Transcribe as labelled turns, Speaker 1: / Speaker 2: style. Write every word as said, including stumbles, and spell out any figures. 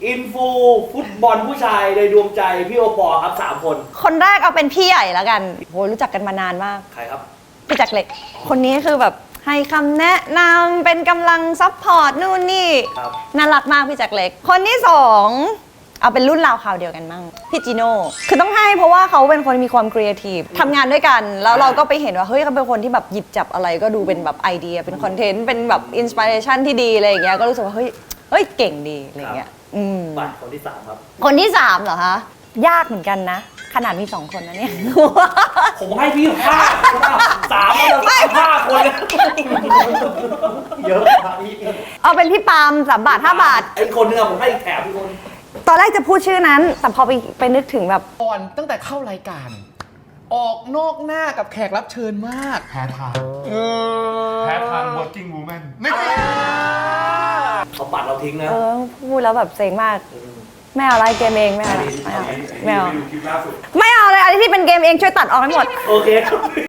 Speaker 1: อินฟูฟุตบอลผู้ชายในดวงใจพี่โอปอครับสามคน
Speaker 2: คนแรกเอาเป็นพี่ใหญ่แล้วกันโหรู้จักกันมานานมาก
Speaker 1: ใครครับ
Speaker 2: พี่แจ็คเล็กคนนี้คือแบบให้คำแนะนำเป็นกำลังซัพพอร์ตนู่นนี่น่ารักมากพี่แจ็คเล็กคนที่สองเอาเป็นรุ่นราวคราวเดียวกันมั่งพี่จิโน่คือต้องให้เพราะว่าเขาเป็นคนมีความครีเอทีฟทำงานด้วยกันแล้วเราก็ไปเห็นว่าเฮ้ยเขาเป็นคนที่แบบหยิบจับอะไรก็ดูเป็นแบบไอเดียเป็นคอนเทนต์เป็นแบบอินสปิเรชันที่ดีอะไรอย่างเงี้ยก็รู้สึกว่าเฮ้ยเฮ้ยเก่งดีอะไรอย่างเงี้ยอืม
Speaker 1: ไปคนที่สามครับ
Speaker 2: คนที่สามเหรอคะยากเหมือนกันนะขนาดมีสองคนนะเนี่ย
Speaker 1: ผมให้พี่ห้าสามแล้วห้าคนเยอะไป
Speaker 2: เอาเป็นพี่ปาล์มสามบาทห้าบาท
Speaker 1: ไอ้คนนึงอะผมให้แถมพี่คน
Speaker 2: ตอนแรกจะพูดชื่อนั้นแต่พอไปไปนึกถึงแบบ
Speaker 3: ก่อนตั้งแต่เข้ารายการออกนอกหน้ากับแขกรับเชิญมาก
Speaker 4: แพ้ทางแพ้ทาง working woman ไม่
Speaker 1: เขาปัดเราทิ้งนะ
Speaker 2: เออพูดแล้วแบบเซ็งมากไม่เอาอะไรเกมเองไม่เอาไม่เอาไม่เอาไม่เอาเลยอะไรที่เป็นเกมเองช่วยตัดออกให้หมด
Speaker 1: โอเค